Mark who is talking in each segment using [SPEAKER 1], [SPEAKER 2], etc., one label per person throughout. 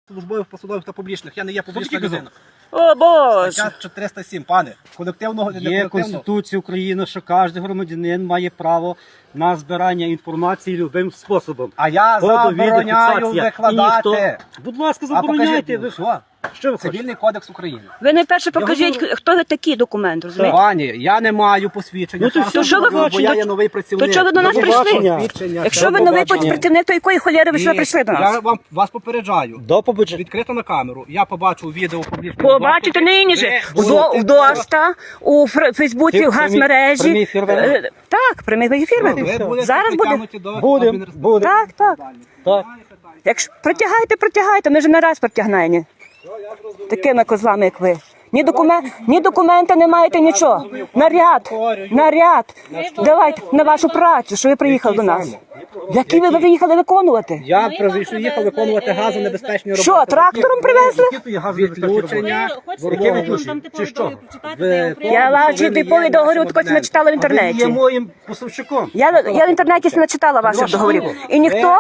[SPEAKER 1] Службових, посадових та публічних. Я не є публічна людина.
[SPEAKER 2] О, Боже!
[SPEAKER 1] Стаття 407, пане. Колективного не
[SPEAKER 3] Є
[SPEAKER 1] колективного.
[SPEAKER 3] Конституція України, що кожен громадянин має право на збирання інформації любим способом.
[SPEAKER 1] А я
[SPEAKER 3] Фото, відео,
[SPEAKER 1] забороняю
[SPEAKER 3] фіксація.
[SPEAKER 1] викладати.
[SPEAKER 3] І ніхто- Будь ласка,
[SPEAKER 1] А покажіть,
[SPEAKER 3] забороняйте.
[SPEAKER 1] ну, що?
[SPEAKER 3] Що ви хочете?
[SPEAKER 1] Цивільний кодекс України.
[SPEAKER 2] Ви найперше покажіть,
[SPEAKER 3] говорю-
[SPEAKER 2] хто ви такий документ, розумієте?
[SPEAKER 1] Пані, я не маю посвідчення.
[SPEAKER 3] Ну, то
[SPEAKER 1] Часу,
[SPEAKER 2] що ви
[SPEAKER 1] бо
[SPEAKER 2] хочете?
[SPEAKER 1] я є новий працівник.
[SPEAKER 2] То чого ви до нас
[SPEAKER 3] До
[SPEAKER 2] прийшли?
[SPEAKER 3] побачення.
[SPEAKER 1] Посвідчення,
[SPEAKER 2] Якщо
[SPEAKER 1] до
[SPEAKER 2] ви новий
[SPEAKER 1] побачення.
[SPEAKER 2] працівник, то якої холєри ви сюди
[SPEAKER 1] І
[SPEAKER 2] прийшли до
[SPEAKER 1] Я
[SPEAKER 2] нас?
[SPEAKER 1] вас попереджаю.
[SPEAKER 3] До побачення.
[SPEAKER 1] Відкрито на камеру. Я побачу відео публічного.
[SPEAKER 2] Побачите нині же
[SPEAKER 1] Ви будете-
[SPEAKER 2] в ДОСТа, у Фейсбуці, в газмережі.
[SPEAKER 3] Прямий ефір веде?
[SPEAKER 2] Так, прямий ефір
[SPEAKER 1] Ви
[SPEAKER 2] веде.
[SPEAKER 1] будете
[SPEAKER 2] Зараз буде.
[SPEAKER 1] притягнуті до
[SPEAKER 3] Будем,
[SPEAKER 1] адміністративної
[SPEAKER 3] будем.
[SPEAKER 2] Так, так.
[SPEAKER 3] Так.
[SPEAKER 2] Якщо протягайте, ми ж не раз протягнемо. Такими козлами, як ви. Ні документа не маєте, нічого. Наряд. Давайте на вашу працю, що ви приїхали до нас. Які ви приїхали виконувати?
[SPEAKER 1] Я приїхав виконувати газонебезпечні роботи.
[SPEAKER 2] Що, трактором привезли?
[SPEAKER 1] Відключення.
[SPEAKER 3] Яке відключення? Чи що?
[SPEAKER 2] Я ваші типові договори також не читала в
[SPEAKER 3] Ви є
[SPEAKER 2] інтернеті.
[SPEAKER 3] моїм поставщиком.
[SPEAKER 2] Я в інтернеті не читала ваших договорів. І ніхто.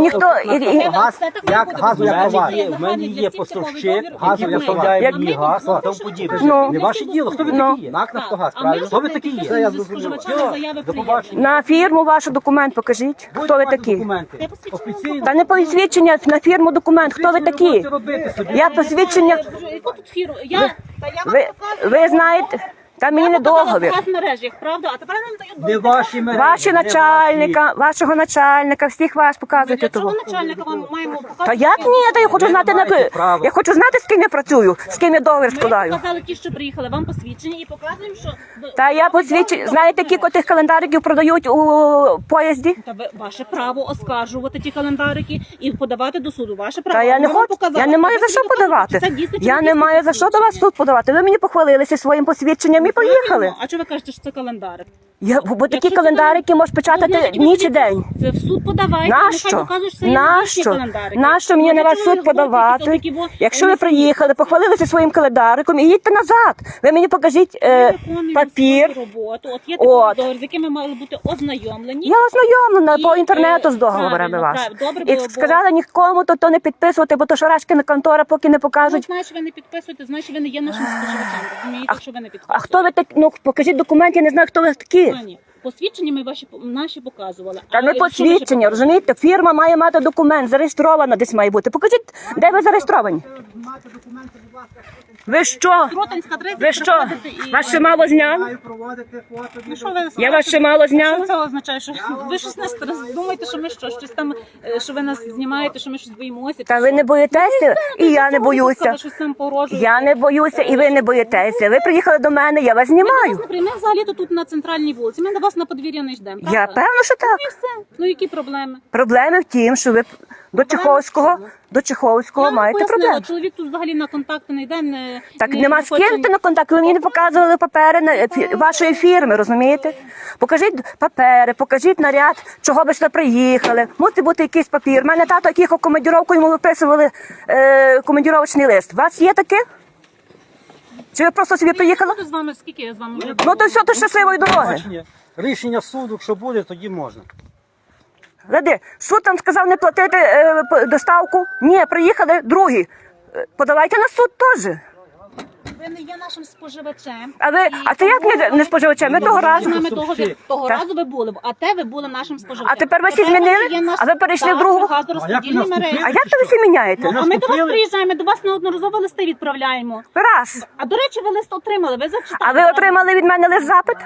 [SPEAKER 1] Як газу, як товар.
[SPEAKER 3] В мене є поставщик,
[SPEAKER 1] Газу,
[SPEAKER 3] який
[SPEAKER 1] як
[SPEAKER 3] поставляє
[SPEAKER 2] товар.
[SPEAKER 3] мені газ і тому подібне.
[SPEAKER 2] Ну.
[SPEAKER 3] Не ваше діло, хто ви
[SPEAKER 2] Ну.
[SPEAKER 3] такі є?
[SPEAKER 1] НАК «Нафтогаз»,
[SPEAKER 4] А
[SPEAKER 1] правильно?
[SPEAKER 3] Хто ви такі є?
[SPEAKER 1] Це я зрозумів.
[SPEAKER 3] До побачення.
[SPEAKER 2] На фірму ваш документ покажіть. Хто ви такі?
[SPEAKER 3] Документи. Офіційно.
[SPEAKER 2] Та не посвідчення, на фірму документ. Хто ви такі?
[SPEAKER 3] Можете робити собі.
[SPEAKER 2] Я посвідчення.
[SPEAKER 4] Яку тут фіру?
[SPEAKER 2] Ви знаєте, там мені не договір.
[SPEAKER 4] в мережах, правда? А тепер нам дають
[SPEAKER 3] Не ваші мережі.
[SPEAKER 2] Ваші
[SPEAKER 3] не
[SPEAKER 2] начальника, вашого начальника, всіх вас показуйте
[SPEAKER 4] Для чого
[SPEAKER 2] того.
[SPEAKER 4] начальника вам маємо показати?
[SPEAKER 2] Та як ні? Та я хочу знати
[SPEAKER 3] маєте права.
[SPEAKER 2] я хочу знати, з ким я працюю, з ким я договір
[SPEAKER 4] Ми
[SPEAKER 2] складаю.
[SPEAKER 4] показали ті, що приїхали, вам посвідчення і показуємо, що...
[SPEAKER 2] Та я посвідчую. Знаєте, кілька тих календариків продають у поїзді?
[SPEAKER 4] Та ваше право оскаржувати ті календарики і подавати до суду. Ваше право.
[SPEAKER 2] Та я не
[SPEAKER 4] Ми вам
[SPEAKER 2] хочу,
[SPEAKER 4] показали.
[SPEAKER 2] я не маю
[SPEAKER 4] Ви
[SPEAKER 2] за що
[SPEAKER 4] собі покажете,
[SPEAKER 2] подавати.
[SPEAKER 4] чи це дійсно, чи
[SPEAKER 2] Я не
[SPEAKER 4] дійсно
[SPEAKER 2] маю за що до вас в суд подавати. Ви мені похвалилися своїм посвідченням і поїхали.
[SPEAKER 4] А чого ви кажете, що це календарик?
[SPEAKER 2] Бо такі
[SPEAKER 4] Якщо це
[SPEAKER 2] календарики можеш печатати
[SPEAKER 4] Знаєте,
[SPEAKER 2] ніч і день.
[SPEAKER 4] Це в суд подавайте,
[SPEAKER 2] Нащо?
[SPEAKER 4] нехай покажуть, що це є
[SPEAKER 2] Нащо?
[SPEAKER 4] їхні календарики.
[SPEAKER 2] Нащо мені
[SPEAKER 4] Ну,
[SPEAKER 2] на вас
[SPEAKER 4] якщо ви
[SPEAKER 2] суд
[SPEAKER 4] говорите,
[SPEAKER 2] подавати?
[SPEAKER 4] то такі во-
[SPEAKER 2] Якщо ви
[SPEAKER 4] вони
[SPEAKER 2] приїхали, похвалилися своїм календариком і їдьте назад. Ви мені покажіть
[SPEAKER 4] виконуємо
[SPEAKER 2] папір.
[SPEAKER 4] свою роботу. От є
[SPEAKER 2] От.
[SPEAKER 4] такий договір, з яким ми мали бути ознайомлені.
[SPEAKER 2] Я ознайомлена
[SPEAKER 4] І,
[SPEAKER 2] по інтернету з договорами
[SPEAKER 4] правильно,
[SPEAKER 2] вашими.
[SPEAKER 4] правильно. Добре
[SPEAKER 2] І
[SPEAKER 4] було, бо-
[SPEAKER 2] сказали нікому то не підписувати, бо то Шарашкіна контора поки не
[SPEAKER 4] Ну,
[SPEAKER 2] покажуть.
[SPEAKER 4] значить, ви не підписуєте, значить, ви не є нашим споживачем. Розумієте, що ви не підписуєте.
[SPEAKER 2] А хто ви такі? Ну покажіть документ, я не знаю, хто ви такі.
[SPEAKER 4] Пані, посвідчення ми наші показували.
[SPEAKER 2] Та не
[SPEAKER 4] що ваші
[SPEAKER 2] посвідчення, розумієте? Фірма має мати документ, зареєстрована десь має бути. Покажіть, де ви зареєстровані. Ви що?
[SPEAKER 4] Кротинська адреса,
[SPEAKER 2] Ви що?
[SPEAKER 4] приходите і-
[SPEAKER 2] Вас ще мало зняли?
[SPEAKER 1] Маю проводити фото,
[SPEAKER 4] Ну, що ви
[SPEAKER 2] Я вас ще мало
[SPEAKER 4] Що
[SPEAKER 2] зняла?
[SPEAKER 4] це означає? Що ви щось нас думаєте, що ми щось там, що ви нас знімаєте, що ми щось боїмося?
[SPEAKER 2] Та ви не боїтеся, і я не боюся.
[SPEAKER 4] Ви щось там порожуєте.
[SPEAKER 2] Я не боюся, і ви не боїтеся. Ви приїхали до мене, я вас знімаю.
[SPEAKER 4] Ми взагалі тут на центральній вулиці. Ми до вас на подвір'я не йдемо.
[SPEAKER 2] Я
[SPEAKER 4] правда?
[SPEAKER 2] певно, що так.
[SPEAKER 4] І все. Ну які проблеми?
[SPEAKER 2] Проблеми в тім, що ви до Чеховського
[SPEAKER 4] Я вам
[SPEAKER 2] маєте
[SPEAKER 4] пояснила,
[SPEAKER 2] проблеми.
[SPEAKER 4] чоловік тут взагалі на контакти не йде.
[SPEAKER 2] Так
[SPEAKER 4] не
[SPEAKER 2] нема з
[SPEAKER 4] хоче-
[SPEAKER 2] ким ти на контакт. Ви мені не показували папери вашої фірми, розумієте? Покажіть папери, покажіть наряд, чого ви сюди приїхали. Мусить бути якийсь папір. У мене тато їхав командіровку, йому виписували командіровочний лист. У вас є таке? Чи ви просто собі приїхали?
[SPEAKER 4] Буду з вами, скільки я з вами вже
[SPEAKER 2] Ну то все, то щасливої дороги.
[SPEAKER 3] Рішення суду, якщо буде, тоді можна.
[SPEAKER 2] Ради, суд там сказав не платити доставку. Ні, приїхали другі. Подавайте на суд теж.
[SPEAKER 4] ви не є нашим споживачем.
[SPEAKER 2] А це як не споживачем? Ми того разу.
[SPEAKER 4] З нами того
[SPEAKER 2] Так.
[SPEAKER 4] разу ви були, а те ви були нашим споживачем.
[SPEAKER 2] А тепер ви всі
[SPEAKER 4] Тепер
[SPEAKER 2] змінили?
[SPEAKER 4] є наш-
[SPEAKER 2] А ви перейшли
[SPEAKER 4] Так,
[SPEAKER 2] в другу?
[SPEAKER 4] газорозподільні
[SPEAKER 3] А як ви
[SPEAKER 4] мережі.
[SPEAKER 2] А як то ви всі міняєте?
[SPEAKER 4] А ми до вас
[SPEAKER 3] Наступили?
[SPEAKER 4] приїжджаємо, ми до вас неодноразово листи відправляємо.
[SPEAKER 2] Раз.
[SPEAKER 4] А до речі, ви лист отримали, ви зачитали.
[SPEAKER 2] А ви отримали від мене лист запит?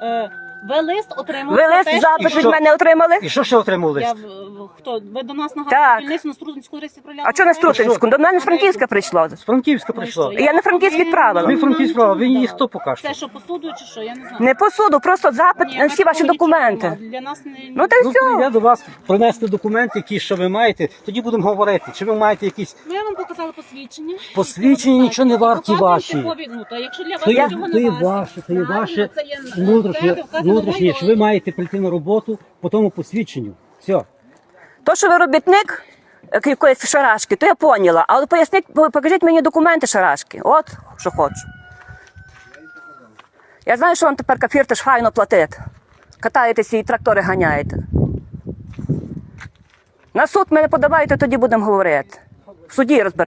[SPEAKER 4] Ви лист отримали.
[SPEAKER 2] Ви
[SPEAKER 4] про
[SPEAKER 2] лист
[SPEAKER 4] те,
[SPEAKER 2] запит
[SPEAKER 4] що-
[SPEAKER 2] від мене отримали?
[SPEAKER 3] І що ще отримав
[SPEAKER 4] Я,
[SPEAKER 3] лист?
[SPEAKER 4] хто? Ви до нас на
[SPEAKER 2] Так.
[SPEAKER 4] газорозподільницю на Струтинську адресу відправляли?
[SPEAKER 2] А чого на Струтинську? До мене з Франківська прийшло.
[SPEAKER 3] З Франківська прийшла.
[SPEAKER 2] Я на Франківськ відправила.
[SPEAKER 3] Ви Франківська справа, ви її хто покажете?
[SPEAKER 4] Це що, посуду чи що? Я не знаю.
[SPEAKER 2] Не по суду, просто запит
[SPEAKER 4] Ні,
[SPEAKER 2] на всі ваші
[SPEAKER 4] такого нічого
[SPEAKER 2] документи.
[SPEAKER 4] нема. Для нас не...
[SPEAKER 2] Ну та й
[SPEAKER 3] Ну,
[SPEAKER 2] все.
[SPEAKER 3] прийде до вас принести документи, які що ви маєте, тоді будемо говорити. Чи ви маєте якісь
[SPEAKER 4] Ну, я вам показала посвідчення.
[SPEAKER 3] посвідчення, нічого не варті
[SPEAKER 4] Показуйте
[SPEAKER 3] ваші.
[SPEAKER 4] копію. Ну, та якщо для вас
[SPEAKER 3] То є,
[SPEAKER 4] нічого
[SPEAKER 3] то
[SPEAKER 4] не
[SPEAKER 3] є
[SPEAKER 4] варто,
[SPEAKER 3] ваше, то є
[SPEAKER 4] правильно,
[SPEAKER 3] ваше
[SPEAKER 4] це є
[SPEAKER 3] внутрішнє,
[SPEAKER 4] це вказано
[SPEAKER 3] внутрішнє,
[SPEAKER 4] моє.
[SPEAKER 3] що ви маєте прийти на роботу по тому посвідченню. Все.
[SPEAKER 2] То, що ви робітник якоїсь шарашки, то я поняла. Але поясніть, покажіть мені документи шарашки. От, що хочу. Я знаю, що вам тепер кафір ж файно платить. Катаєтеся і трактори ганяєте. На суд мене подавайте, тоді будемо говорити. В суді розберемо.